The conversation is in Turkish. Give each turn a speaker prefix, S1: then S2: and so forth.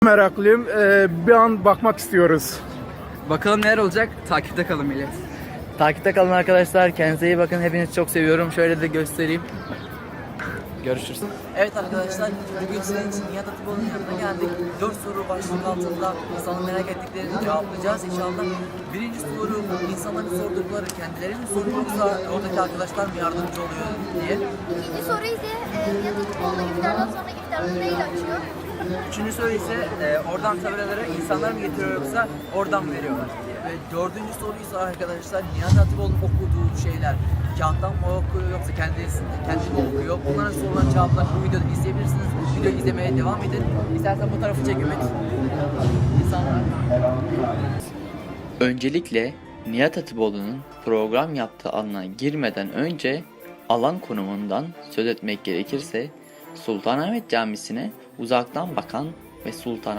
S1: Meraklıyım. Bir an bakmak istiyoruz.
S2: Bakalım neler olacak? Takipte kalın millet.
S3: Takipte kalın arkadaşlar. Kendinize iyi bakın. Hepinizi çok seviyorum. Şöyle de göstereyim. Görüşürüz.
S4: Evet arkadaşlar, bugün sizin için Nihat Hatipoğlu'nun yanına geldik. 4 soru başlık altında insanın merak ettiklerini cevaplayacağız inşallah. Birinci soru, insanların sordukları kendilerinin soru yoksa oradaki arkadaşlar mı yardımcı oluyor diye.
S5: İkinci soru ise Nihat Hatipoğlu iftardan sonra iftarını neyle açıyor?
S4: Üçüncü soru ise oradan tabelaları insanlar mı getiriyor yoksa oradan mı veriyorlar? Ve dördüncü soru ise arkadaşlar, Nihat Hatipoğlu'nun okuduğu şeyler kağıttan mı okuyor yoksa kendi mi okuyor? Bunlara sorulan cevaplar bu videoda izleyebilirsiniz. Videoyu izlemeye devam edin. İstersen bu tarafı çek Ümit. İnsanlar.
S3: Öncelikle Nihat Hatipoğlu'nun program yaptığı alana girmeden önce alan konumundan söz etmek gerekirse Sultanahmet Camisi'ne uzaktan bakan ve